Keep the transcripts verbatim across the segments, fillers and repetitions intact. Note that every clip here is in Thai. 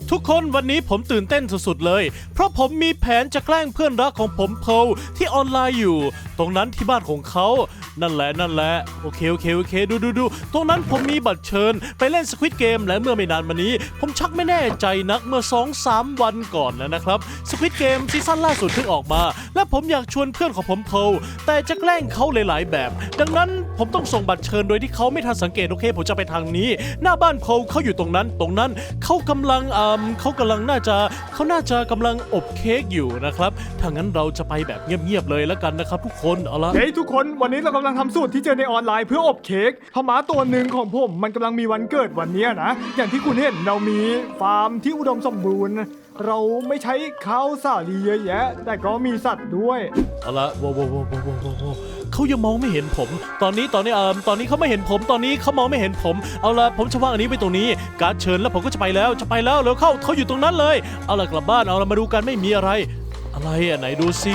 ทุกคนวันนี้ผมตื่นเต้นสุดๆเลยเพราะผมมีแผนจะแกล้งเพื่อนรักของผมเพลที่ออนไลน์อยู่ตรงนั้นที่บ้านของเขานั่นแหละนั่นแหละโอเคโอเคโอเคดูดูดูตรงนั้นผมมีบัตรเชิญไปเล่นสควิดเกมและเมื่อไม่นานมานี้ผมชักไม่แน่ใจนักเมื่อ สองสาม วันก่อนนะครับสควิดเกมซีซั่นล่าสุดเพิ่งออกมาและผมอยากชวนเพื่อนของผมเพลแต่จะแกล้งเขาหลายๆแบบดังนั้นผมต้องส่งบัตรเชิญโดยที่เขาไม่ทันสังเกตโอเคผมจะไปทางนี้หน้าบ้านเพลเขาอยู่ตรงนั้นตรงนั้นเขากำลังอ่าเขากำลังน่าจะเขาน่าจะกำลังอบเค้กอยู่นะครับถ้างั้นเราจะไปแบบเงียบๆเลยแล้วกันนะครับทุกคนเอาละเฮ้ยทุกคนวันนี้เรากำลังทำสูตรที่เจอในออนไลน์เพื่ออบเค้กพม่าตัวหนึ่งของผมมันกำลังมีวันเกิดวันนี้นะอย่างที่คุณเห็นเรามีฟาร์มที่อุดมสมบูรณ์เราไม่ใช้ข้าวสาลีเยอะแยะแต่ก็มีสัตว์ด้วยเอาละว้าวว้าวว้าวว้าวว้าวเขายังมองไม่เห็นผม ตอนนี้ตอนนี้เอ่อตอนนี้เขาไม่เห็นผมตอนนี้เขามองไม่เห็นผมเอาละผมจะวางอันนี้ไว้ตรงนี้การ์ดเชิญแล้วผมก็จะไปแล้วจะไปแล้วแล้วเข้าเขาอยู่ตรงนั้นเลยเอาละกลับบ้านเอาละมาดูกันไม่มีอะไร อะไรอ่ะไหนดูสิ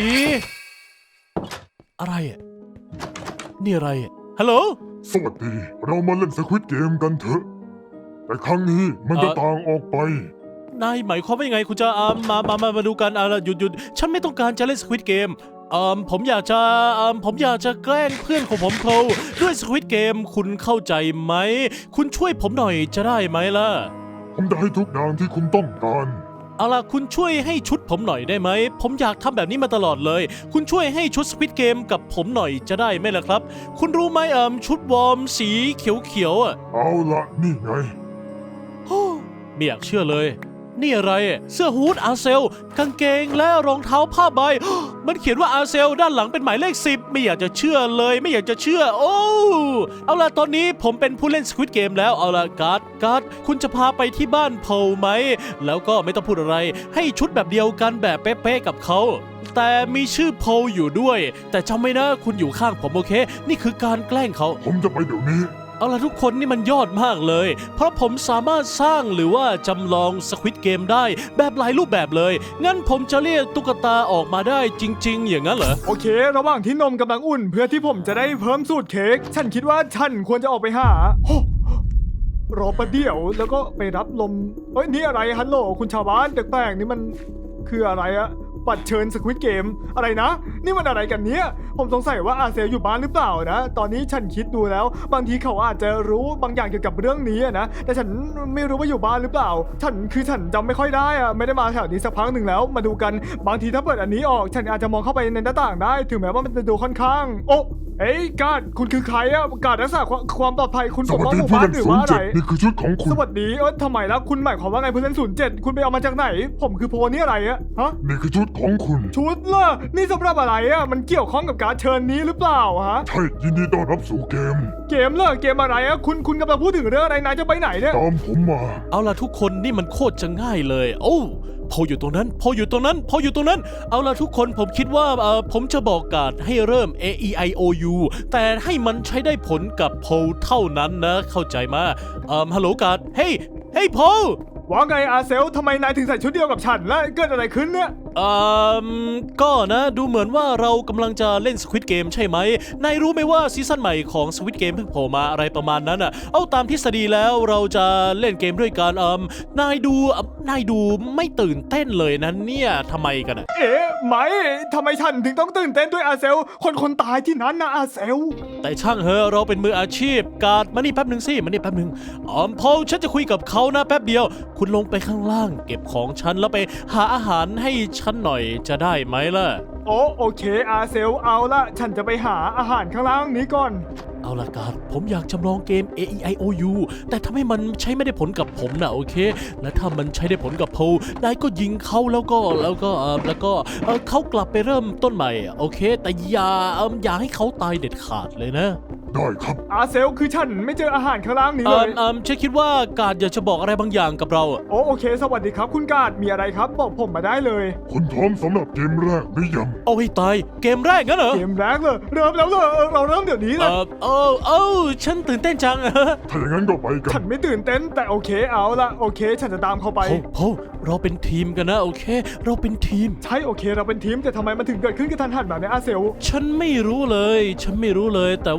อะไรอ่ะนี่อะไรอ่ะฮัลโหลสวัสดีเรามาเล่นสควิดเกมกันเถอะแต่ครั้งนี้มันจะเอ่อต่างออกไปนายหมายความว่ายังไงคุณจะอ่ามามามามาดูกันเอาละหยุดหยุดฉันไม่ต้องการจะเล่นสควิดเกมเอ่อผมอยากจะเอ่อผมอยากจะแกล้งเพื่อนของผมเขาด้วยสควิดเกมคุณเข้าใจไหมคุณช่วยผมหน่อยจะได้ไหมล่ะผมจะให้ทุกอย่างที่คุณต้องการเอาล่ะคุณช่วยให้ชุดผมหน่อยได้ไหมผมอยากทำแบบนี้มาตลอดเลยคุณช่วยให้ชุดสควิดเกมกับผมหน่อยจะได้ไหมล่ะครับคุณรู้ไหมเอ่อชุดวอร์มสีเขียวๆอ่ะเอาละนี่ไงไม่อยากเชื่อเลยนี่อะไรเสื้อฮู้ดอาเซลกางเกงและรองเท้าผ้าใบ มันเขียนว่าอาเซลด้านหลังเป็นหมายเลขสิบไม่อยากจะเชื่อเลยไม่อยากจะเชื่อโอ้เอาล่ะตอนนี้ผมเป็นผู้เล่นสควิดเกมแล้วเอาล่ะการ์ดการ์ดคุณจะพาไปที่บ้านเพลไหมแล้วก็ไม่ต้องพูดอะไรให้ชุดแบบเดียวกันแบบเป๊ะๆกับเขาแต่มีชื่อเพลอยู่ด้วยแต่จำไว้นะคุณอยู่ข้างผมโอเคนี่คือการแกล้งเขาผมจะไปเดี๋ยวนี้เอาล่ะทุกคนนี่มันยอดมากเลยเพราะผมสามารถสร้างหรือว่าจำลองสควิดเกมได้แบบหลายรูปแบบเลยงั้นผมจะเรียกตุ๊กตาออกมาได้จริงๆอย่างนั้นเหรอโอเค ระหว่างที่นมกำลังอุ่น เพื่อที่ผมจะได้เพิ่มสูตรเค้กฉันคิดว่าฉันควรจะออกไปหาโอ้รอประเดี๋ยวแล้วก็ไปรับลมเฮ้ยนี่อะไรฮัลโหลคุณชาวบ้านแปลกๆนี่มันคืออะไรอะบัตรเชิญสควิดเกมอะไรนะนี่มันอะไรกันเนี้ยผมสงสัยว่าอาเซลอยู่บ้านหรือเปล่านะตอนนี้ฉันคิดดูแล้วบางทีเขาอาจจะรู้บางอย่างเกี่ยวกับเรื่องนี้อะนะแต่ฉันไม่รู้ว่าอยู่บ้านหรือเปล่าฉันคือฉันจำไม่ค่อยได้อะไม่ได้มาแถวนี้สักพักหนึ่งแล้วมาดูกันบางทีถ้าเปิดอันนี้ออกฉันอาจจะมองเข้าไปในหน้าต่างได้ถึงแม้ว่ามันจะดูค่อนข้างโอ้เอ้ยการ์ดคุณคือใครอะการ์ดรักษาความปลอดภัยคุณสปกวัสป้องดีหมู่ผู้บ้านเล่นหรือศูนว่าย์อะไรเจ็ดนี่คือชุดของคุณสวัสดีเออทำไมแล้วคุณหมายความว่าไงผู้เล่นศูนย์เจ็ดคุณไปเอามาจากไหน ผมคือโพนี่อะไรอะฮะนี่คือชุดของคุณชุดล่ะนี่สำหรับอะไรอะมันเกี่ยวข้องกับการเชิญนี้หรือเปล่าฮะใช่ยินดีต้อนรับสู่เกมเกมเหรอเกมอะไรอะคุณคุณกำลังพูดถึงเรื่องอะไรนายจะไปไหนเนี่ยตามผมมาเอาล่ะทุกคนนี่มันโคตรจะง่ายเลยโอ้พออยู่ตรงนั้นพออยู่ตรงนั้นพออยู่ตรงนั้นเอาล่ะทุกคนผมคิดว่าเอ่อผมจะบอกการ์ดให้เริ่ม A E I O U แต่ให้มันใช้ได้ผลกับโพลเท่านั้นนะเข้าใจมาเอ่อฮัลโหลการ์ดเฮ้ยเฮ้ยโพลว่าไงอาเซลทำไมนายถึงใส่ชุดเดียวกับฉันแล้วเกิดอะไรขึ้นเนี่ยเอ่อก็นะดูเหมือนว่าเรากำลังจะเล่น Squid Game ใช่ไหมนายรู้ไหมว่าซีซั่นใหม่ของ Squid Game เพิ่งโผล่มาอะไรประมาณนั้นอ่ะเอาตามทฤษฎีแล้วเราจะเล่นเกมด้วยกันเอ่มนายดูเอิ่มนายดูไม่ตื่นเต้นเลยนะเนี่ยทำไมกันอ่ะเอ๊ะไม่ทำไมฉันถึงต้องตื่นเต้นด้วยอาเซลคนคนตายที่นั้นนะอาเซลแต่ช่างเหอะเราเป็นมืออาชีพการ์ดมานี่แป๊บหนึ่งสิมานี่แป๊บหนึ่งอ๋อพอฉันจะคุยกับเขานะแป๊บเดียวคุณลงไปข้างล่างเก็บของฉันแล้วไปหาอาหารให้ฉันหน่อยจะได้ไหมล่ะโอ้โอเคอาเซลเอาละฉันจะไปหาอาหารข้างล่างนี้ก่อนเอาละการผมอยากจำลองเกม A E I O U แต่ถ้าให้มันใช้ไม่ได้ผลกับผมนะโอเค และถ้ามันใช้ได้ผลกับโพลนายก็ยิงเขาแล้วก็แล้วก็เออแล้วก็เออเขากลับไปเริ่มต้นใหม่โอเค แต่อย่าเอออย่าให้เขาตายเด็ดขาดเลยนะได้ครับอาเซลคือฉันไม่เจออาหารข้างล่างนี้เอเลอย เออฉันคิดว่าการอยากจะบอกอะไรบางอย่างกับเราอะโอ้โอเคสวัสดีครับคุณกาดมีอะไรครับบอกผมมาได้เลยคุณพร้อมสำหรับเกมแรกหรือยังเอาให้ตายเกมแรกงั้นเหรอเกมแรกเลยเริ่มแล้วเลยเออเราเริ่มเดี๋ยวนี้เลเอย อเออเออฉันตื่นเต้นจังถ้าอย่างนั้นก็ไปกัฉันนไม่ตื่นเต้นแต่โอเคเอาละโอเค ฉันจะตามเขาไปโพโพเราเป็นทีมกันนะโอเค เราเป็นทีมใช่โอเคเราเป็นทีมแต่ทำไมมันถึงเกิดขึ้นกับทันหันแบบนี้อาเซลฉันไม่รู้เลย ฉันไม่รู้เลย แต่ว่าฉัน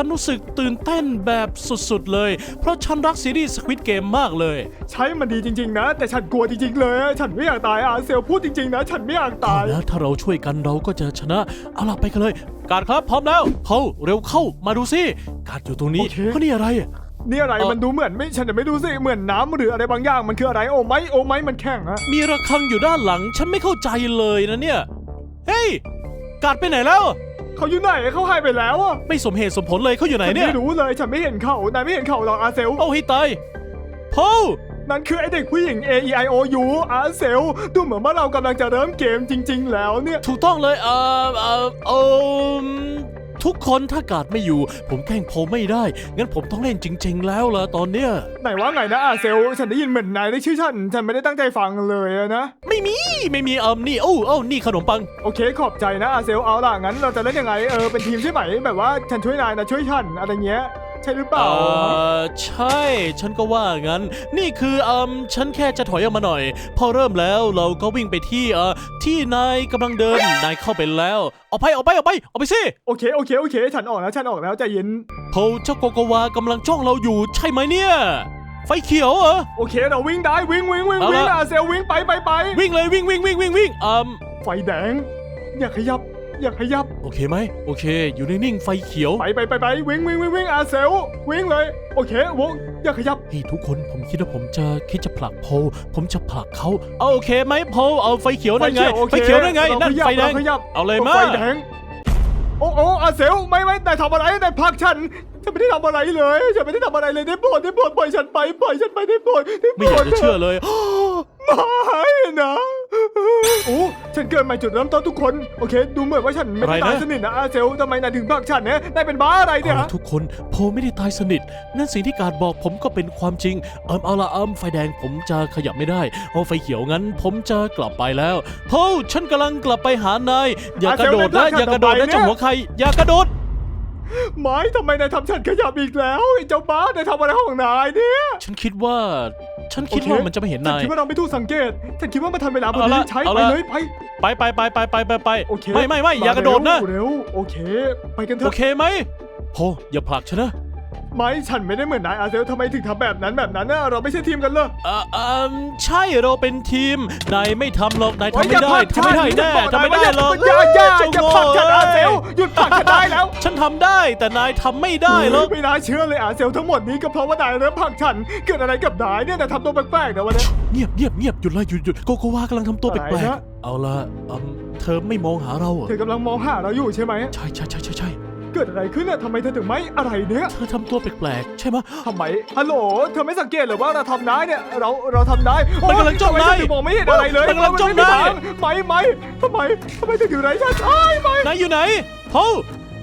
รู้สึกตื่นเต้นแบบสุดๆเลยเพราะฉันรักซีรีส์ Squid Game มากเลยใช่มันดีจริงๆนะแต่ฉันกลัวจริงๆเลยอะฉันไม่อยากตายอาเซลพูดจริงๆนะฉันไม่อยากตายแล้วถ้าเราช่วยกันเราก็จะชนะเอาล่ะไปกันเลยการครับพร้อมแล้วเขาเร็วเข้ามาดูสิการอยู่ตรงนี้เพราะนี่อะไรนี่อะไรเอ่อมันดูเหมือนไม่ฉันจะไม่ดูสิเหมือนน้ำหรืออะไรบางอย่างมันคืออะไรโอ้ไม่โอ้ไม่มันแข็งอะมีระฆังอยู่ด้านหลังฉันไม่เข้าใจเลยนะเนี่ยเฮ้ยการไปไหนแล้วเขาอยู่ไหนเขาหายไปแล้วอะไม่สมเหตุสมผลเลยเขาอยู่ไหนฉันเนี่ยไม่รู้เลยฉันไม่เห็นเขานายไม่เห็นเขาหรอกอาเซลเอาให้ตายโพนั่นคือไอเด็กผู้หญิง A E I O U อาเซลดูเหมือนว่าเรากำลังจะเริ่มเกมจริง ๆ แล้วเนี่ยถูกต้องเลยเอ่อเอ่อเออทุกคนถ้ากาดไม่อยู่ ผมแกล้งโพไม่ได้ งั้นผมต้องเล่นจริง ๆ แล้วล่ะตอนเนี้ยไหนว่าไงนะอาเซลฉันได้ยินเหมือนนายได้ชื่อฉันฉันไม่ได้ตั้งใจฟังเลยอะนะไม่มีไม่มีเอิมนี่โอ้โอ้นี่ขนมปังโอเคขอบใจนะอาเซลเอาล่ะงั้นเราจะเล่นยังไงเออเป็นทีมใช่ไหมแบบว่าฉันช่วยนายนะช่วยฉันอะไรเงี้ยใช่หรือเปเอล่าอใช่ ฉันก็ว่างั้น นี่คือเอิมฉันแค่จะถอยออกมาหน่อย พอเริ่มแล้วเราก็วิ่งไปที่เอ่อที่นายกำลังเดิน นายเข้าไปแล้วออกไปออกไปออกไปออกไปสิโอเคโอเคโอเค ฉันออกแล้วฉันออกแล้วใจเย็นโพเจ้าโกโกวากำลังจ้องเราอยู่ใช่ไหมเนี่ย ไฟเขียวเหรอโอเคเราวิ่งได้วิ่งวิ่งวิ่งเอาวิ่งละอาเซลวิ่งไปไปไปวิ่งเลยวิ่งวิ่งวิ่งวิ่งวิ่งเอิมไฟแดงอย่าขยับอย่าขยับโอเคไหมโอเค อยู่นิ่งๆไฟเขียวไปไปไปไปวิ่งวิ่งวิ่งวิ่งอาเซลวิ่งเลยโอเควงอย่าขยับเฮ้ยทุกคนผมคิดว่าผมจะคิดจะผลักโพลผมจะผลักเขาเอาโอเคไหมโพลเอาไฟเขียวนั่นไงโอคไฟเขียวนั่นไงรานั่นขยับไฟแดงรขยับเอาเลยมาไฟแดงโอ้โอ้อาเซลไม่ไม่นายทำอะไรนายพักฉันฉันไม่ได้ทำอะไรเลยฉันไม่ได้ทำอะไรเลยได้โปรดได้โปรดปล่อยฉันไปปล่อยฉันไปได้โปรดได้โปไม่รอยากดจะเชื่อเลยไม่นะโอ้ฉันเกิดใหม่จุดเริ่มต้นทุกคนโอเค ดูเหมือนว่าฉันไม่ได้อะไรนะตายสนิทนะอาเซลทำไมนายถึงพักฉันเนี่ยนายเป็นบ้าอะไรเนี่ยเอาละทุกคนโพลไม่ได้ตายสนิท นั่นสิ่งที่การบอกผมก็เป็นความจริง เอิมเอาละเอิมไฟแดงผมจะขยับไม่ได้เอาไฟเขียวงั้น ผมจะกลับไปแล้วโพลฉันกำลังกลับไปหานายอย่ากระโดดนะอย่ากระโดดนะเจ้าหัวใครอย่ากระโดดไม่ทำไมนายทำฉันขยับอีกแล้วไอ้เจ้าบ้านายทำอะไรของนายเนี่ยฉันคิดว่า ฉันคิดว่ามันจะไม่เห็นฉันนายคิดว่าเราไม่ถูกสังเกตฉันคิดว่ามันทันเวลาพอเอาดีละใช้เอาไปละเลยไปไปไปไปไปไปไปไปโอเคไม่ไม่ไม่อย่ากระโดดนะเร็วโอเค ไปกันเถโออะเคไหมโพลอย่าผลักฉันนะไม่ฉันไม่ได้เหมือนนายอาเซลทำไมถึงทำแบบนั้นแบบนั้นนะเราไม่ใช่ทีมกันเลยเอ่อเอ่อใช่เราเป็นทีม นายไม่ทำหรอก นายทำโอ้ยไม่ได้อย่าผลักทำไม่ได้ฉันแน่บอกทำไม่ได้นายหรอกว่าอย่าอย่าอย่าเจ้อย่าผลักฉันอาเซลหยุดผลักฉันได้แล้วฉันทำได้แต่นายทำไม่ได้หรอกไม่น่าเชื่อเลยอาเซลทั้งหมดนี้ก็เพราะว่านายเริ่มผลักฉันเกิดอะไรกับนายเนี่ยนายทำตัวแปลกๆนะวันนี้เงียบเงียบเงียบหยุดเลยหยุดหยุดโกโกวากำลังทำตัวแปอะไรลกนะๆเอาละเอิ่มเธอไม่มองหาเราเหรอเธอกำลังมองหาเราอยู่ใช่ไหมใช่ใช่ใช่ใช่ใช่เกิดอะไรขึ้นเนี่ยทำไมเธอถึงไม่อะไรเนี่ยเธอทำตัวแปลกๆใช่ไหมทำไมฮัลโหลเธอไม่สังเกตเหรือว่าเราทำได้เนี่ยเราเราทำได้มันกำลังจ้องทำไมนายเธอถึงมองไม่เห็นอะไรเลยมันกำลังจ้องนายไม่ไม่ทำไมทำไมเธอถึงไรฉันไอ้ไม่นายอยู่ไหนโพล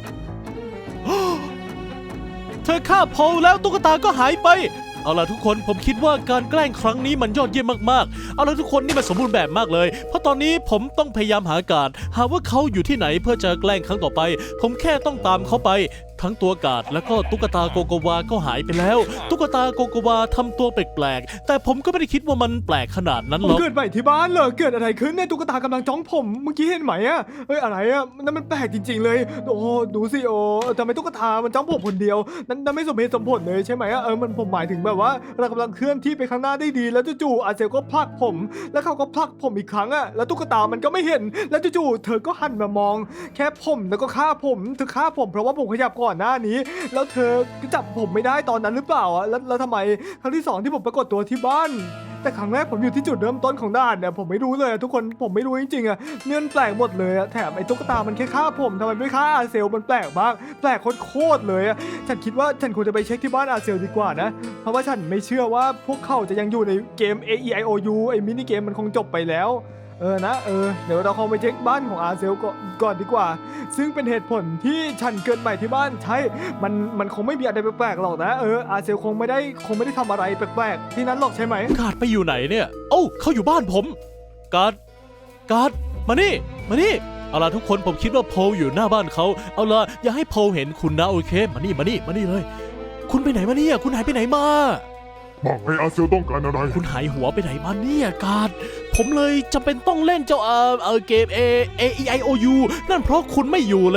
เธอฆ่าโพลแล้วตุ๊กตาก็หายไป เอาล่ะทุกคนผมคิดว่าการแกล้งครั้งนี้มันยอดเยี่ยมมากๆ เอาล่ะทุกคนนี่มันสมบูรณ์แบบมากเลย เพราะตอนนี้ผมต้องพยายามหาการหาว่าเขาอยู่ที่ไหนเพื่อจะแกล้งครั้งต่อไป ผมแค่ต้องตามเขาไป ทั้งตัวกาดแล้วก็ตุ๊กตาโกโกวาก็หายไปแล้ว ตุ๊กตาโกโกวาทำตัวแปลกๆแต่ผมก็ไม่ได้คิดว่ามันแปลกขนาดนั้นผมหรอกเกิดใหม่ที่บ้านเลยเกิดอะไรขึ้นเนี่ยตุ๊กตากำลังจ้องผมเมื่อกี้เห็นไหมอะเฮ้ยอะไรอะนั่นมันแปลกจริง ๆ เลย โอ้ดูสิโอ้ทำไมตุ๊กตามันจ้องผมคนเดียวนั่นนั่นไม่สมเหตุสมผลเลยใช่ไหมอะเออมันผมหมายถึงแบบว่าเรากำลังเคลื่อนที่ไปข้างหน้าได้ดี แล้วจู่ๆอาเซลก็ผลักผม แล้วเขาก็ผลักผมอีกครั้งอะแล้วตุ๊กตามันก็ไม่เห็น แล้วจู่ๆเธอก็หันมามอง แค่ผมแล้วก็ฆ่าผมเธอฆ่าผมเพราะว่าผมขยับก่อนหน้านี้ แล้วเธอก็จับผมไม่ได้ตอนนั้นหรือเปล่าอะแล้วแล้วทำไมครั้งที่สองที่ผมปรากฏตัวที่บ้าน แต่ครั้งแรกผมอยู่ที่จุดเริ่มต้นของด่านเนี่ยผมไม่รู้เลยอะทุกคนผมไม่รู้จริงๆอะเนี่ยมันแปลกหมดเลยอะแถมไอ้ตุ๊กตามันแค่ฆ่าผมทำไมไม่ฆ่าอาเซลมันแปลกมากแปลกโคตรๆเลยอะฉันคิดว่าฉันควรจะไปเช็คที่บ้านอาเซลดีกว่านะเพราะว่าฉันไม่เชื่อว่าพวกเขาจะยังอยู่ในเกม A E I O U ไอ้มินิเกมมันคงจบไปแล้วเออนะเออเดี๋ยวเราคงไปเช็คบ้านของอาเซลก่อนก่อนดีกว่า ซึ่งเป็นเหตุผลที่ฉันเกิดใหม่ที่บ้านใช่มันมันคงไม่มีอะไรแปลกๆหรอกนะเอออาเซลคงไม่ได้คงไม่ได้ทำอะไรแปลกๆที่นั้นหรอกใช่ไหมกาดไปอยู่ไหนเนี่ยโอ้าเขาอยู่บ้านผมกาดกาดมานี่มานี่เอาล่ะทุกคนผมคิดว่าโพลอยู่หน้าบ้านเขาเอาล่ะอย่าให้โพลเห็นคุณนะโอเคมานี่มานี่มานี่เลย คุณไปไหนมาเนี่ยคุณหายไปไหนมาบอกให้อาเซลต้องการอะไรคุณหายหัวไปไหนมาเนี่ยกาดผมเลยจำเป็นต้องเล่นเจ้าเอ่อเออเกม A A E I O U นั่นเพราะคุณไม่อยู่เลยนะ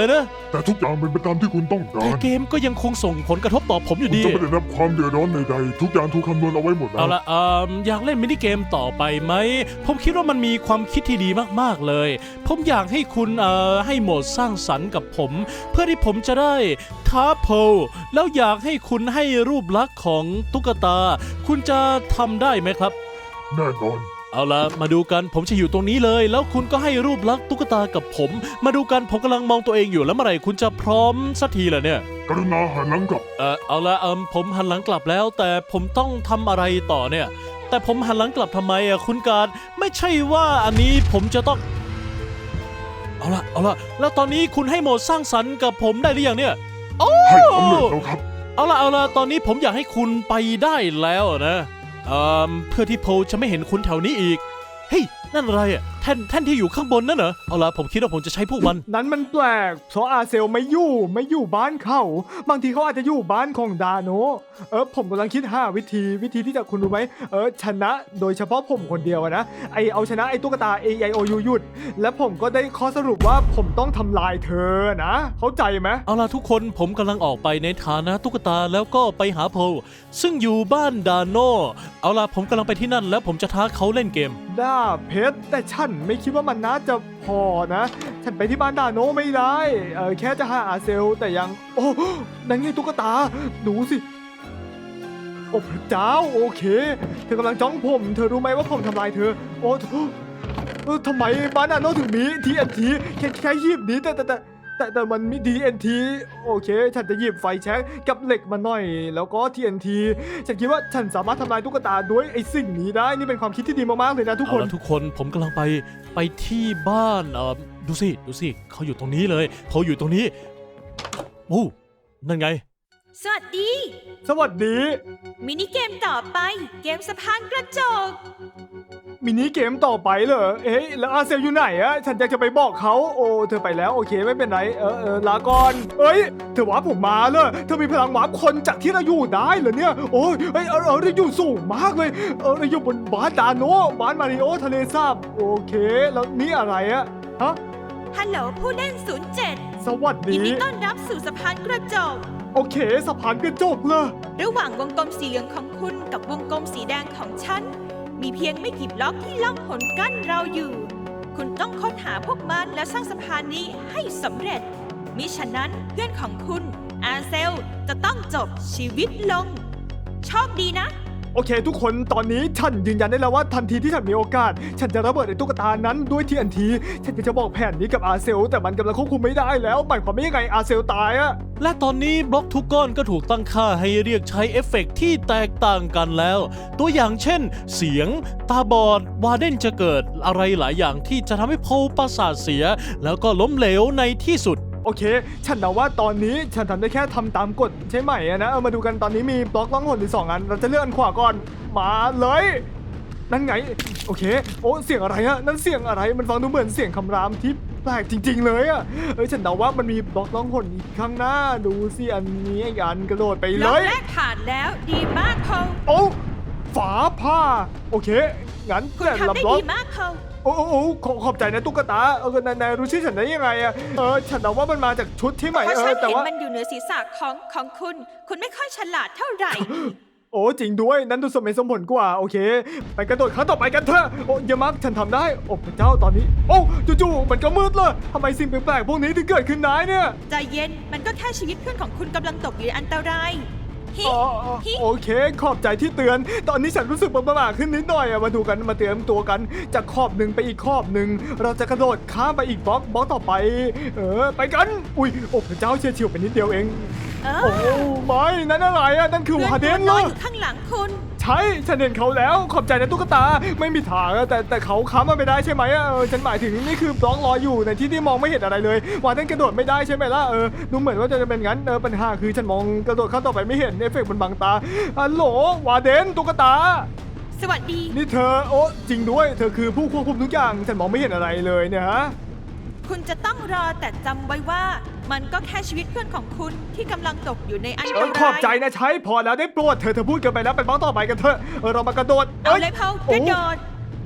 แต่ทุกอย่างเป็นไปตามที่คุณต้องกาแต่รเกมก็ยังคงส่งผลกระทบต่อผมอยู่คุณดีจะไม่ได้รับความเดือดร้อนใดๆทุกอย่างถูกคำนวณเอาไว้หมดแล้เอาวละเอ่ออยากเล่นมินิเกมต่อไปไหม ผมคิดว่ามันมีความคิดที่ดีมากๆเลย ผมอยากให้คุณเอ่อให้โหมดสร้างสรรค์กับผม เพื่อที่ผมจะได้ท้าโพลแล้วอยากให้คุณให้รูปลักษณ์ของตุ๊กตา คุณจะทำได้ไหมครับแน่นอนเอาละมาดูกันผมจะอยู่ตรงนี้เลย แล้วคุณก็ให้รูปลักษณ์ตุ๊กตากับผม มาดูกันผมกำลังมองตัวเองอยู่แล้วเมื่อไหร่คุณจะพร้อมสักทีล่ะเนี่ยกรุณาหันหลังกลับเออเอาละเอมผมหันหลังกลับแล้ว แต่ผมต้องทำอะไรต่อเนี่ย แต่ผมหันหลังกลับทำไมอ่ะคุณการไม่ใช่ว่าอันนี้ผมจะต้อง เอาละเอาละแล้วตอนนี้คุณให้โหมดสร้างสรรค์กับผมได้หรือยังเนี่ยโอ้ให้สำเร็จแล้วครับเอาละเอาละตอนนี้ผมอยากให้คุณไปได้แล้วนะเอ่อเพื่อที่โพลจะไม่เห็นคุณแถวนี้อีกเฮ้ยนั่นอะไรอ่ะแท่นแท่นที่อยู่ข้างบนนั่นเหรอเอาละผมคิดว่าผมจะใช้พวกมันนั้นมันแปลกเพราะอาเซลไม่อยู่ไม่อยู่บ้านเขาบางทีเขาอาจจะอยู่บ้านของดาโนเออผมกำลังคิดหาวิธีวิธีที่จะคุณรู้ไหมเออชนะโดยเฉพาะผมคนเดียวอะนะไอเอาชนะไอตุ๊กตา A I O U หยุด และผมก็ได้ข้อสรุปว่าผมต้องทำลายเธอนะเข้าใจไหมเอาล่ะทุกคนผมกำลังออกไปในฐานะตุ๊กตาแล้วก็ไปหาโพลซึ่งอยู่บ้านดาโนเอาล่ะผมกำลังไปที่นั่นแล้วผมจะท้าเขาเล่นเกมดาเพชรแต่ฉันไม่คิดว่ามันน่าจะพอนะ ฉันไปที่บ้านดาโนไม่ได้เออแค่จะหาอาเซลแต่ยังโอ้นั่นไงตุ๊กตาดูสิโอ้พระเจ้าโอเค เธอกำลังจ้องผม เธอรู้ไหมว่าผมทำลายเธอ โอ้เออทำไมบ้านดาโนถึงมีทีเอ็นทีแค่แค่หยิบนี้แต่แต่แต่แต่แต่มันมี ที เอ็น ที โอเค ฉันจะหยิบไฟแช็กกับเหล็กมาหน่อย แล้วก็ ที เอ็น ที ฉันคิดว่าฉันสามารถทำลายตุ๊กตาด้วยไอ้สิ่งนี้ได้ นี่เป็นความคิดที่ดีมากๆเลยนะทุกเอาคนล่ะทุกคนผมกำลังไปไปที่บ้านเออดูสิดูสิเขาอยู่ตรงนี้เลยเขาอยู่ตรงนี้โอ้นั่นไงสวัสดีสวัสดีมินิเกมต่อไป เกมสะพานกระจกมินิเกมต่อไปเหรอ เอ๊ะแล้วอาเซลอยู่ไหนอะฉันอยากจะไปบอกเขาโอ้เธอไปแล้วโอเคไม่เป็นไร เออเออลาก่อน เอ้ย เธอวาร์ปผมมาเลยเธอมีพลังวาร์ปคนจากที่เราอยู่ได้เหรอเนี่ย โอ้ยเอ้ยเออเออเราอยู่สูงมากเลย เออเราอยู่บนบ้านดาโนบ้านมาริโอทะเลสาบโอเค แล้วนี่อะไรอะฮะฮัลโหลผู้เล่น ศูนย์เจ็ดสวัสยิดีนดีต้อนรับสู่สะพานกระจกโอเคสะพานกระจกเลยระหว่างวงกลมสีเหลืองของคุณกับวงกลมสีแดงของฉัน มีเพียงไม่กี่บล็อกที่ล่องหนกั้นเราอยู่ คุณต้องค้นหาพวกมันและสร้างสะพานนี้ให้สำเร็จ มิฉะนั้นเพื่อนของคุณอาเซลจะต้องจบชีวิตลง โชคดีนะโอเค ทุกคนตอนนี้ฉันยืนยันได้แล้วว่าทันทีที่ฉันมีโอกาส ฉันจะระเบิดไอ้ตุ๊กตานั้นด้วย ที เอ็น ที ฉันจะบอกแผนนี้กับอาเซลแต่มันกำลังควบคุมไม่ได้แล้วหมายความว่ายังไงอาเซลตายอะและตอนนี้บล็อกทุกก้อนก็ถูกตั้งค่าให้เรียกใช้เอฟเฟกต์ที่แตกต่างกันแล้ว ตัวอย่างเช่น เสียง ตาบอด วาเดนจะเกิดอะไรหลายอย่างที่จะทำให้โพลประสาทเสีย แล้วก็ล้มเหลวในที่สุดโอเค ฉันเดาว่าตอนนี้ฉันทำได้แค่ทำตามกฎใช่ไหมอะนะเอามาดูกันตอนนี้มีบล็อกล่องหนอยู่สองอัน เราจะเลื่อนอันขวาก่อน มาเลย นั่นไง โอเค โอ้เสียงอะไรอะนั่นเสียงอะไร มันฟังดูเหมือนเสียงคำรามที่แปลกจริง ๆ เลยอะเอ้ยฉันเดาว่ามันมีบล็อกล่องหนอีกข้างหน้า ดูสิอันนี้อีกอันกระโดดไปบเลล็อกยแรกผ่านแล้วดีมากพอลโอ้ฝาผ้า โอเค งั้นคุณแต่ละทำได้บล็อกดีมากพอลโอ้โอ้โอ้ขอขอบใจนะตุ๊กตา เออนายนายรู้ชื่อฉันได้ยังไงอะเออ ฉันเดาว่ามันมาจากชุดที่ใหม่เพราะเอฉัอน แต่เห็นว่ามันอยู่เหนือศีรษะของของคุณ คุณไม่ค่อยฉลาดเท่าไหร่โอ้จริงด้วย นั้นดูสมเหตุสมผลกว่า โอเค ไปกระโดดครั้งต่อไปกันเถอะ โอ้เยามักฉันทำได้ โอ้พระเจ้าตอนนี้ โอ้จู่ๆมันก็มืดเลยทำไมสิ่งแปลกๆพวกนี้ถึงเกิดขึ้นได้เนี่ยใจเย็น มันก็แค่ชีวิตเพื่อนของคุณกำลังตกอยู่ในอันตรายฮิอ๋ออ๋อฮิโอเค ขอบใจที่เตือน ตอนนี้ฉันรู้สึกประหม่าขึ้นนิดหน่อยอะมาดูกันมาเตรียมตัวกันจากขอบหนึ่งไปอีกขอบหนึ่งเราจะกระโดดข้ามไปอีกบล็อกบล็อกต่อไป เออ ไปกัน อุ้ยโอ้พระเจ้าเฉียดฉิวไปนิดเดียวเองเอโอ้อไม่นั่นอะไรอะนั่นคือเพื่อนวาเดตัวนเหรน้อยออยู่ข้างหลังคุณใช่ฉันเห็นเขาแล้วขอบใจนะตุ๊กตาไม่มีทางอะแต่แต่เขาค้ำมันไม่ได้ใช่ไหมอะเออฉันหมายถึงนี่คือบล็อกรออยู่ในที่ที่มองไม่เห็นอะไรเลยวาเดนกระโดดไม่ได้ใช่ไหมล่ะเออดูเหมือนว่าจะเป็นงั้นเออปัญหาคือฉันมองกระโดดข้ามต่อไปไม่เห็นเอฟเฟกต์มันบังตาฮัลโหลวาเดนตุ๊กตาสวัสดีนี่เธอโอ้จริงด้วยเธอคือผู้ควบคุมทุกอย่างฉันมองไม่เห็นอะไรเลยเนี่ยฮะคุณจะต้องรอแต่จำไว้ว่า มันก็แค่ชีวิตเพื่อนของคุณที่กำลังตกอยู่ในอันตเออรายขอบใจนะใช้พอแล้วได้โปรดเธอเธอพูดเกินไปแล้วไปบล็อกต่อไปกันเถอะเออเรามากระโดดเอาเลยเพาโอ้กระโดด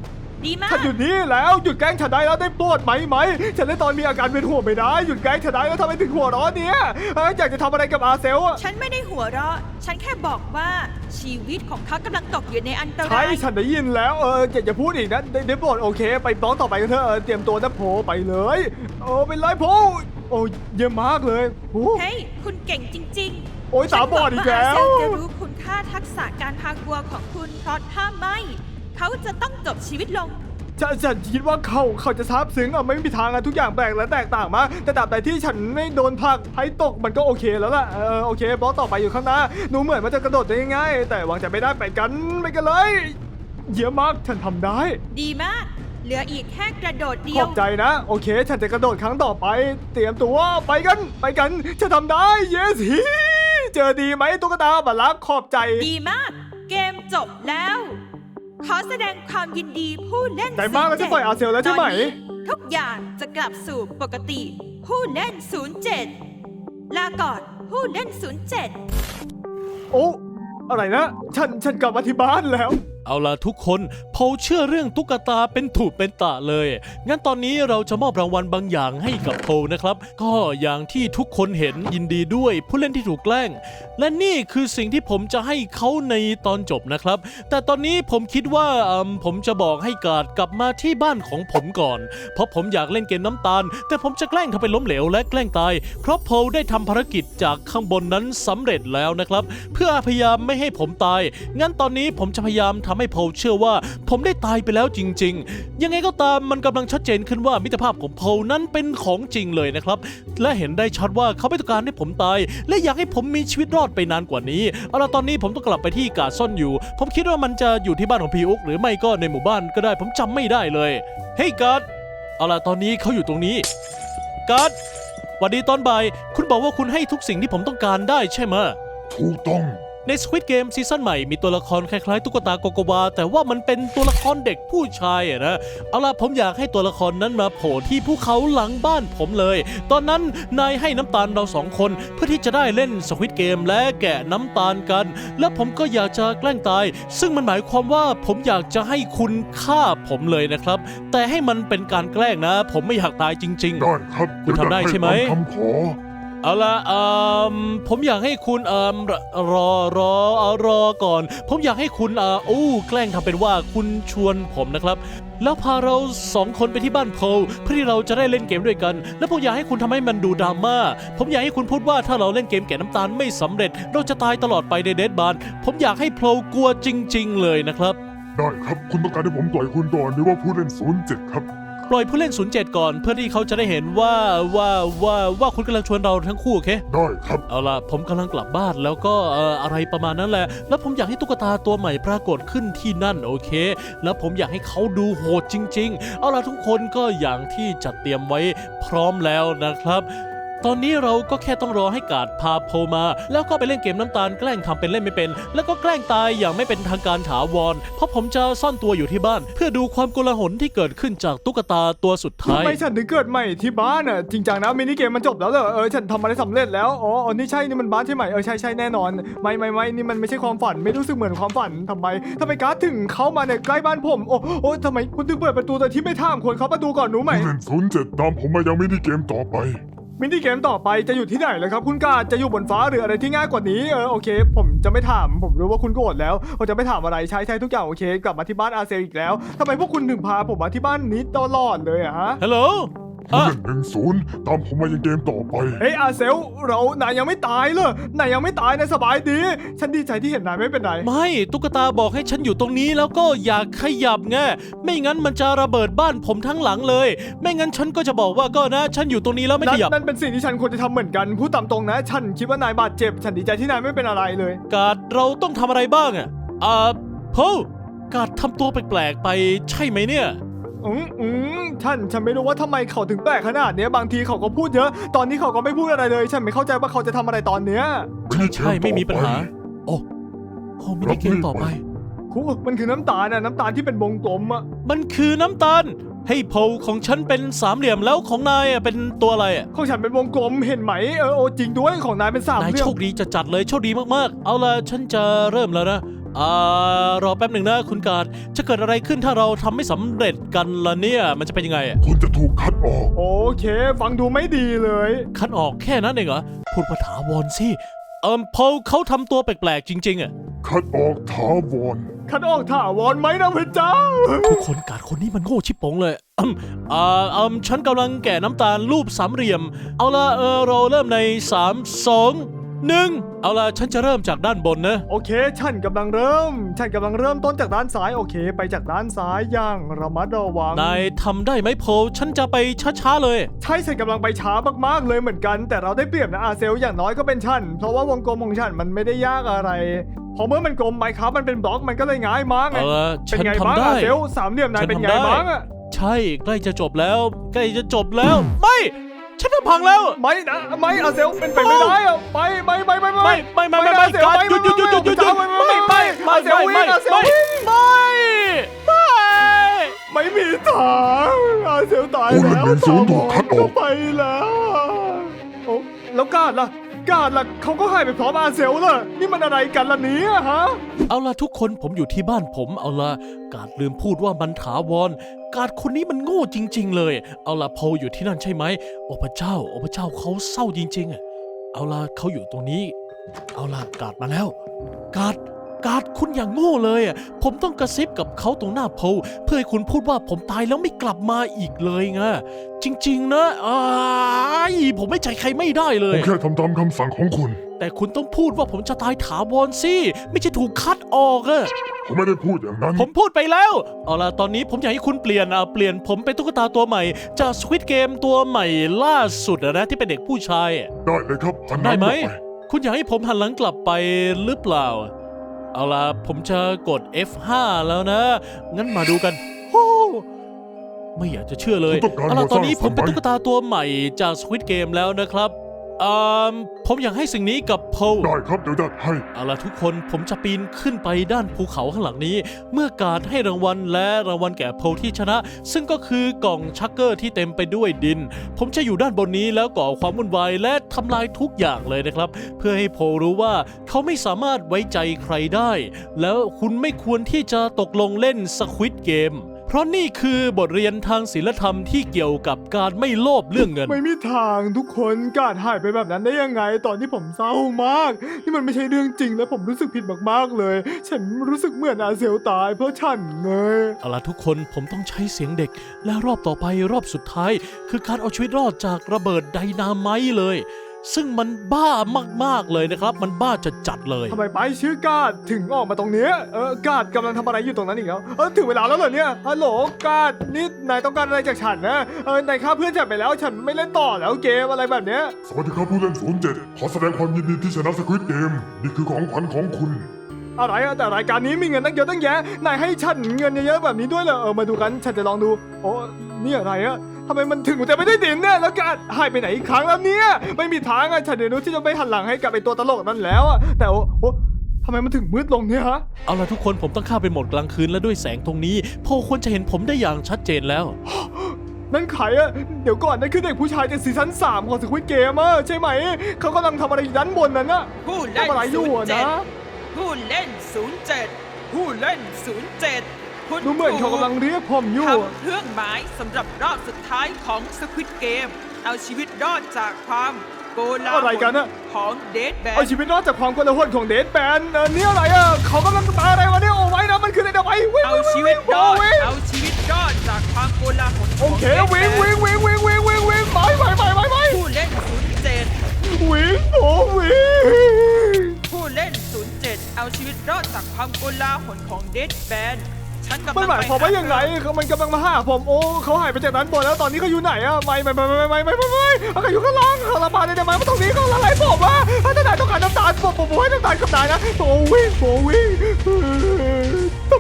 ดีมากฉันอยู่นี่แล้วหยุดแกล้งฉันได้แล้วได้โปรดไหมไหมฉันในตอนมีอาการเป็นห่วงไม่ได้หยุดแกล้งฉันได้แล้วทำไมถึงหัวเร้อนเนี่ยเอ้ยอยากจะทำอะไรกับอาเซลอะฉันไม่ได้หัวเราะ ฉันแค่บอกว่าชีวิตของเขากำลังตกอยู่ในอันตใช่รายฉันได้ยินแล้วเอออย่าอย่าพูดอีกนะได้ได้โปรดโอเค ไปบล็อกต่อไปกันเถอะเออเตรียมตัวนะโผไปเลยโอ้เป็นไรโผโอ้เยี่ยมมากเลยโอ้เฮ้ย คุณเก่งจริงๆโอ้ยตาบอดอีกแล้วฉันหงาอาเซลจะรู้คุณค่าทักษะการพากวัวของคุณเพราะถ้าไม่ เขาจะต้องจบชีวิตลงฉันฉันคิดว่าเขาเขาจะซาบซึ้งอ่ะไม่มีทางอะทุกอย่างแปลกและแตกต่างมากแต่ตราบใดที่ฉันไม่โดนผลักให้ตกมันก็โอเคแล้วล่ะเออโอเคบล็อกต่อไปอยู่ข้างหน้าหนูเหมือนมันจะกระโดดได้ง่ายๆแต่วางใจไม่ได้ไปกันไปกันเลยเยี่ยมมากฉันทำได้ดีมาก เหลืออีกแค่กระโดดเดีขยอวบใจนะ โอเค ฉันจะกระโดดครั้งต่อไป เตรียมตัวไปกันไปกันฉันทำได้ yes ฮีเจอดีไหมตุ๊กตาบัลลักขอบใจดีมาก เกมจบแล้ว ขอแสดงความยินดีผู้เล่นใจมากแล้วจะปล่อยอาเซลแล้วใช่ไหมตอนนี้ทุกอย่างจะกลับสู่ปกติ ผู้เล่น ศูนย์เจ็ด ลาก่อนผู้เล่น ศูนย์เจ็ดโอ้อะไรนะ ฉันฉันกลับมาที่บ้านแล้วเอาล่ะทุกคนโพลเชื่อเรื่องตุ๊กตาเป็นถูกเป็นตะเลย งั้นตอนนี้เราจะมอบรางวัลบางอย่างให้กับโพลนะครับ ก็อย่างที่ทุกคนเห็นยินดีด้วยผู้เล่นที่ถูกแกล้ง และนี่คือสิ่งที่ผมจะให้เขาในตอนจบนะครับ แต่ตอนนี้ผมคิดว่าอืมผมจะบอกให้การ์ดกลับมาที่บ้านของผมก่อน เพราะผมอยากเล่นเกมน้ำตาล แต่ผมจะแกล้งทำเป็นล้มเหลวและแกล้งตาย เพราะโพลได้ทำภารกิจจากข้างบนนั้นสำเร็จแล้วนะครับ เพื่อพยายามไม่ให้ผมตาย งั้นตอนนี้ผมจะพยายามทำให้โพลเชื่อว่าผมได้ตายไปแล้วจริงๆ ยังไงก็ตามมันกำลังชัดเจนขึ้นว่ามิตรภาพของโพลนั้นเป็นของจริงเลยนะครับ และเห็นได้ชัดว่าเขาไม่ต้องการให้ผมตาย และอยากให้ผมมีชีวิตรอดไปนานกว่านี้ เอาล่ะตอนนี้ผมต้องกลับไปที่กาดซ่อนอยู่ ผมคิดว่ามันจะอยู่ที่บ้านของพี่อุ๊กหรือไม่ก็ในหมู่บ้านก็ได้ผมจำไม่ได้เลยเฮ้ยการ์ดเอาล่ะตอนนี้เขาอยู่ตรงนี้การ์ดสวัสดีตอนบ่ายคุณบอกว่าคุณให้ทุกสิ่งที่ผมต้องการได้ใช่ไหมถูกต้องใน Squid Game ซีซั่นใหม่มีตัวละครคล้ายๆตุ๊กตาโกโกวาแต่ว่ามันเป็นตัวละครเด็กผู้ชายอะนะเอาล่ะผมอยากให้ตัวละครนั้นมาโผล่ที่ภูเขาหลังบ้านผมเลย ตอนนั้นนายให้น้ำตาลเราสองคนเพื่อที่จะได้เล่น Squid Game และแกะน้ำตาลกัน และผมก็อยากจะแกล้งตาย ซึ่งมันหมายความว่าผมอยากจะให้คุณฆ่าผมเลยนะครับแต่ให้มันเป็นการแกล้งนะ ผมไม่อยากตายจริงๆได้ครับคุณทำได้ใช่ไหมเยวจะตาคำขอเอาละเอ่อผมอยากให้คุณเอ่อรอรอเอารอก่อน ผมอยากให้คุณเอ่ออู้แกล้งทำเป็นว่าคุณชวนผมนะครับ แล้วพาเราสองคนไปที่บ้านโพลเพื่อที่เราจะได้เล่นเกมด้วยกัน แล้วผมอยากให้คุณทำให้มันดูดราม่าผมอยากให้คุณพูดว่าถ้าเราเล่นเกมแกะน้ำตาลไม่สำเร็จ เราจะตายตลอดไปในเดดบาร์ผมอยากให้โพลกลัวจริง ๆ เลยนะครับได้ครับ คุณต้องการให้ผมปล่อยคุณก่อนหรือว่าผู้เล่นศูนย์เจ็ดครับปล่อยผู้เล่น ศูนย์เจ็ด ก่อนเพื่อที่เขาจะได้เห็นว่าว่าว่าว่าคุณกำลังชวนเราทั้งคู่โอเคได้ครับเอาล่ะผมกำลังกลับบ้านแล้วก็เอ่ออะไรประมาณนั้นแหละ แล้วผมอยากให้ตุ๊กตาตัวใหม่ปรากฏขึ้นที่นั่นโอเค แล้วผมอยากให้เขาดูโหดจริงๆ เอาล่ะทุกคนก็อย่างที่จัดเตรียมไว้พร้อมแล้วนะครับ ตอนนี้เราก็แค่ต้องรอให้การ์ดพาโพลมา แล้วก็ไปเล่นเกมน้ำตาลแกล้งทำเป็นเล่นไม่เป็น แล้วก็แกล้งตายอย่างไม่เป็นทางการถาวร เพราะผมจะซ่อนตัวอยู่ที่บ้าน เพื่อดูความโกลาหลที่เกิดขึ้นจากตุ๊กตาตัวสุดท้ายทำไมฉันถึงเกิดใหม่ที่บ้านอ่ะจริงจังนะมินิเกมมันจบแล้วเหรอเออฉันทำอะไรสำเร็จแล้วอ๋ออ๋อนี่ใช่นี่มันบ้านใช่ไหมเออใช่ใช่แน่นอนไม่ไม่ไม่นี่มันไม่ใช่ความฝันไม่รู้สึกเหมือนความฝันทำไมทำไมการ์ดถึงเข้ามาเนี่ยใกล้บ้านผมโอ้โอ้ทำไมคุณถึงเปิดประตูโดยที่ไม่ถามคนเขาประตูก่อนหนูไหมผู้เล่นศูนย์เจ็ดตามผมมายังไม่ได้เกมต่อไปมินิเกมต่อไปจะอยู่ที่ไหนเลยครับคุณกาจะอยู่บนฟ้าหรืออะไรที่ง่ายกว่านี้เออโอเค ผมจะไม่ถามผมรู้ว่าคุณโกรธแล้วผมจะไม่ถามอะไรใช้ใช้ทุกอย่างโอเค กลับมาที่บ้านอาเซลอีกแล้วทำไมพวกคุณถึงพาผมมาที่บ้านนี้ตลอดเลยอะฮะฮัลโหลผู้อ่ะเล่นหนึ่งศูนย์ตามผมมายังเกมต่อไปเฮ้ยอาเซลเรานายยังไม่ตายเลยนายยังไม่ตายนายสบายดี ฉันดีใจที่เห็นนายไม่เป็นไรไม่ตุ๊กตาบอกให้ฉันอยู่ตรงนี้แล้วก็อย่าขยับไงไม่งั้นมันจะระเบิดบ้านผมทั้งหลังเลย ไม่งั้นฉันก็จะบอกว่าก็นะ ฉันอยู่ตรงนี้แล้วไม่นั่ขนยับนั่นเป็นสิ่งที่ฉันควรจะทำเหมือนกันพูดตามตรงนะ ฉันคิดว่านายบาดเจ็บ ฉันดีใจที่นายไม่เป็นอะไรเลยการ์ดเราต้องทำอะไรบ้างอ่ะอ่าโพการ์ดทำตัวแปลกๆไปใช่ไหมเนี่ยอืมอืมฉันฉันไม่รู้ว่าทำไมเขาถึงแปลกขนาดเนี้ยบางทีเขาก็พูดเยอะ ตอนนี้เขาก็ไม่พูดอะไรเลย ฉันไม่เข้าใจว่าเขาจะทำอะไรตอนเนี้ยใช่ใช่ไม่มีปัญหา โอ้โอ้มินิเกมต่อไปครูมันคือน้ำตาลน่ะน้ำตาลที่เป็นวงกลมอะมันคือน้ำตาลให้โพของฉันเป็นสามเหลี่ยมแล้วของนายอ่ะเป็นตัวอะไรอ่ะของฉันเป็นวงกลมเห็นไหมเออโอจริงด้วยของนายเป็นสามนายเหลี่ยโชมคดีจะจัดเลยโชคดีมากๆ เอาล่ะฉันจะเริ่มแล้วนะอ่ารอแป๊บหนึ่งนะคุณการจะเกิดอะไรขึ้นถ้าเราทำไม่สำเร็จกันล่ะเนี่ยมันจะเป็นยังไงอะคุณจะถูกคัดออกโอเค ฟังดูไม่ดีเลยคัดออกแค่นั้นเองเหรอพูดภาษาวอนสิเอิมพอเขาทำตัวแปลกๆจริงๆอะคัดออกถาวรคัดออกถาวรไหมนะพระเจ้าทุกคนการคนนี้มันโง่ชิบปงเลยอืมอ่าอืมฉันกำลังแกะน้ำตาลรูปสามเหลี่ยม เอาละเออเราเริ่มในสาม สอง หนึ่งเอาละฉันจะเริ่มจากด้านบนนะโอเค ฉันกำลังเริ่ม ฉันกำลังเริ่มต้นจากด้านซ้าย โอเค ไปจากด้านซ้ายอย่างระมัดระวังนายทำได้ไหมโพลฉันจะไปช้าๆเลยใช่ ฉันกำลังไปช้ามากๆเลยเหมือนกัน แต่เราได้เปรียบนะอาเซลอย่างน้อยก็เป็นฉัน เพราะว่าวงกลมของฉันมันไม่ได้ยากอะไร พอเมื่อมันกลมไมครับมันเป็นบล็อกมันก็เลยง่ายมากไงเอาละเป็นฉันไงทำบ้างได้อาเซลสามเหลี่ยมนายฉันเป็นไงทำได้บ้างอะใช่ใกล้จะจบแล้ว ใกล้จะจบแล้ว ไม่ ฉันทำพังแล้วไม่นะไม่อาเซลเป็นไปไม่ได้อะไม่ไม่ไม่ไม่ไม่ไม่ไม่ไม่ไม่อาเซลการหยุดหยุดหยุดหยุดหยุดหยุดไม่ไม่ไม่ไม่อาเซลไม่วิ่งอาเซลไม่วิ่งไม่ไม่ไม่มีทางอาเซลตายผู้เล่นแล้วหนึ่งศูนย์ถูกคัดออกไปแล้วโอ้แล้วการ์ดล่ะการ์ดล่ะเขาก็หายไปพร้อมอาเซลล่ะนี่มันอะไรกันล่ะเนี่ยฮะเอาล่ะทุกคนผมอยู่ที่บ้านผมเอาล่ะการลืมพูดว่ามันถาวรการคนนี้มันโง่จริง ๆ เลย เอาล่ะโพลอยู่ที่นั่นใช่ไหมโอ้พระเจ้าโอ้พระเจ้าเขาเศร้าจริงๆอะเอาล่ะเขาอยู่ตรงนี้ เอาล่ะการมาแล้วการการคุณอย่างโง่เลยอะผมต้องกระซิบกับเขาตรงหน้าโพลเพื่อให้คุณพูดว่าผมตายแล้วไม่กลับมาอีกเลยไงจริง ๆ นะอ้ายผมไม่ใจใครไม่ได้เลผยมแค่ทำตามคำสั่งของคุณแต่คุณต้องพูดว่าผมจะตายถาวรสิไม่ใช่ถูกคัดออกอะผมไม่ได้พูดอย่างนั้นผมพูดไปแล้ว เอาล่ะ ตอนนี้ผมอยากให้คุณเปลี่ยนอ่ะเปลี่ยนผมเป็นตุ๊กตาตัวใหม่ จาก Squid Game ตัวใหม่ล่าสุดอะนะที่เป็นเด็กผู้ชายอะได้เลยครับหันหได้น้าไหมกลับปคุณอยากให้ผมหันหลังกลับไปหรือเปล่า เอาล่ะ ผมจะกด เอฟ ห้า แล้วนะ งั้นมาดูกันโอ้ไม่อยากจะเชื่อเลยคุณต้องการเอาล่ะหมวดตอนนี้สผร้างมสรรค์เป็นไหมตุ๊กตาตัวใหม่จาก Squid Game แล้วนะครับอ่าผมอยากให้สิ่งนี้กับโพลได้ครับเดี๋ยวจัดให้เอาล่ะทุกคนผมจะปีนขึ้นไปด้านภูเขาข้างหลังนี้ เมื่อการให้รางวัลและรางวัลแก่โพลที่ชนะ ซึ่งก็คือกล่องชักเกอร์ที่เต็มไปด้วยดิน ผมจะอยู่ด้านบนนี้แล้วก่อความวุ่นวายและทำลายทุกอย่างเลยนะครับ เพื่อให้โพลรู้ว่าเขาไม่สามารถไว้ใจใครได้ แล้วคุณไม่ควรที่จะตกลงเล่นสควิดเกมเพราะนี่คือบทเรียนทางศีลธรรมที่เกี่ยวกับการไม่โลภเรื่องเงินไม่มีทางทุกคนการหายไปแบบนั้นได้ยังไง ตอนที่ผมเศร้ามาก นี่มันไม่ใช่เรื่องจริงและผมรู้สึกผิดมากๆเลย ฉันรู้สึกเหมือนอาเซลตายเพราะฉันเลยเอาล่ะทุกคนผมต้องใช้เสียงเด็ก และรอบต่อไปรอบสุดท้าย คือการเอาชีวิตรอดจากระเบิดไดนาไมต์เลย ซึ่งมันบ้ามากๆเลยนะครับ มันบ้าจะจัดๆเลยทำไมไปชื่อกาดถึงออกมาตรงเนี้ยเออกาดกำลังทำอะไรอยู่ตรงนั้นอีกแล้วเออถึงเวลาแล้วเหรอเนี่ยฮัลโหลกาดนี่นายต้องการอะไรจากฉันนะเออนายฆ่าเพื่อนฉันไปแล้วฉันไม่เล่นต่อแล้วเกมอะไรแบบเนี้ยสวัสดีครับผู้เล่นศูนย์เจ็ดขอแสดงความยินดีที่ชนะสควิดเกมนี่คือของขวัญของคุณอะไรอะแต่รายการนี้มีเงินตั้งเยอะตั้งแยะนายให้ฉันเงินเยอะๆแบบนี้ด้วยเหรอเออมาดูกันฉันจะลองดูโอ้นี่อะไรอะทำไมมันถึงจะไม่ได้ดินเนี่ยแล้วกาดหายไปไหนอีกครั้งแล้วเนี่ยไม่มีทางอะฉันเดี๋ยวรู้ที่จะไม่หันหลังให้กับไอตัวตลกนั่นแล้วอะแต่โอ้โอ้ทำไมมันถึงมืดลงเนี่ยฮะเอาล่ะทุกคนผมต้องเข้าไปโหมดกลางคืนและด้วยแสงตรงนี้โพลควรจะเห็นผมได้อย่างชัดเจนแล้วนั่นใครอะเดี๋ยวก่อนนั่นคือเด็กผู้ชายจากซีซั่นสามของสควิดเกมอะใช่ไหมเขากำลังทำอะไรอยู่ด้านบนนั้นอะผู้เล่นทำอะไรอยู่อะนะผู้เล่นศูนย์เจ็ดผู้เล่นศูนย์เจ็ดคุณดูเหมือนเขากำลังเรียกผมอยู่ทำเครื่องหมายสำหรับรอบสุดท้ายของสควิดเกมเอาชีวิตรอดจากความโกลาหอะไรลกันอะของเดดแบนเอาชีวิตรอดจากความโกลาหลของเดทแบนเออนี่อะไรอะเขากำลังตายอะไรวะเนี่ยโอ้ไว้นะมันคืออะไรนะไว้วิ่งเอาวิ่งชีวิตรอดวิ่งเอาชีวิตรอดจากความโกลาหลโอเควิ่งวิ่งวิ่งวิ่งวิ่งวิ่งวิ่งไปไปไปไปไปผู้เล่นศูนย์เจ็ดวิ่งโอ้วิ่งผู้เล่นศูนย์เจ็ดเอาชีวิตรอดจากความโกลาหลของเดดแบนฉันกำลังมันหมายความว่ายังไงเขามันกำลังมาหาผมโอ้เขาหายไปจากด้านบนแล้วตอนนี้เขาอยู่ไหนอะไม่ไม่ไม่ไม่ไม่ไม่ไม่ไม่เขาอยู่ข้างล่างเขาระบาดได้ไหมว่าตรงนี้เขาละลายผมอะถ้านายต้องการน้ำตาลผมผมให้น้ำตาลกับนายนะโอ้วิ่งโอ้วิ่งทำไม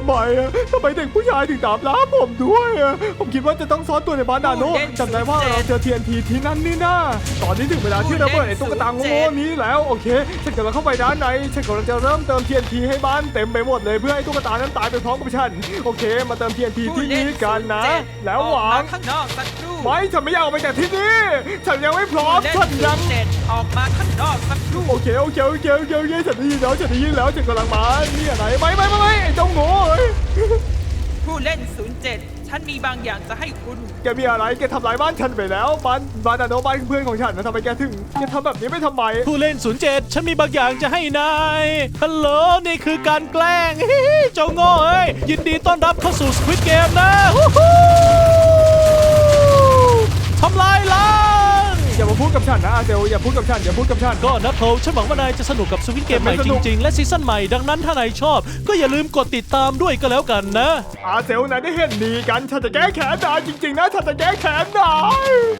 ไมอะทำไมเด็กผู้ชายถึงตามล่าผมด้วยอะผมคิดว่าจะต้องซ่อนตัวในบ้านนาโนจำได้ว่าเราเจอ ที เอ็น ที ที่นั่นนี่นะตอนนี้ถึงเวลาที่ระเบิดไอ้ตุ๊กตาโง่ๆนี้แล้วโอเคฉันกำลังเข้าไปด้านในฉันกำลังจะเริ่มเติม ที เอ็น ที ให้บ้านเต็มไปหมดเลยเพื่อให้ตุ๊กตานั้นตายไปพร้อมกับฉันโอเคมาเติม ที เอ็น ที ที่นี่กันนะ แล้วหวังข้างนอกสักครู่ไม่ฉันไม่อยากออกไปจากที่นี่ฉันยังไม่พร้อมฉันยังเจ็ดออกมาข้างนอกสักครู่โอเคโอเคโอเคโอเคโอเคฉันได้ยินแล้วฉันได้ยินแล้วฉันกำลังมานี่อะไรไม่ไม่ไม่ไม่ไอ้เจ้าโง่เอ้ยผู้เล่น ศูนย์เจ็ด ฉันมีบางอย่างจะให้คุณแกมีอะไรแกทำลายบ้านฉันไปแล้วบ้านบ้านนาโนบ้านเพื่อนของฉันนะทำไมแกถึงแกทำแบบนี้ไม่ทำไมผู้เล่น ศูนย์เจ็ด ฉันมีบางอย่างจะให้นายฮัลโหลนี่คือการแกล้ง ฮิฮิเจ้าโง่เอ้ยยินดีต้อนรับเข้าสู่ Squid Game นะฮู้ฮู้ทำลายล้างอย่ามาพูดกับฉันนะอาเซลอย่าพูดกับฉันอย่าพูดกับฉันก็นะโพลฉันหวังว่านายจะสนุกกับ Squid Game ใหม่ไม่สจนุกริง ๆ และซีซั่นใหม่ดังนั้นถ้านายชอบ ก็อย่าลืมกดติดตามด้วยก็แล้วกันนะอาเซลนายได้เห็นดีกันฉันจะแก้แค้นนายจริงๆนะฉันจะแก้แค้นนาย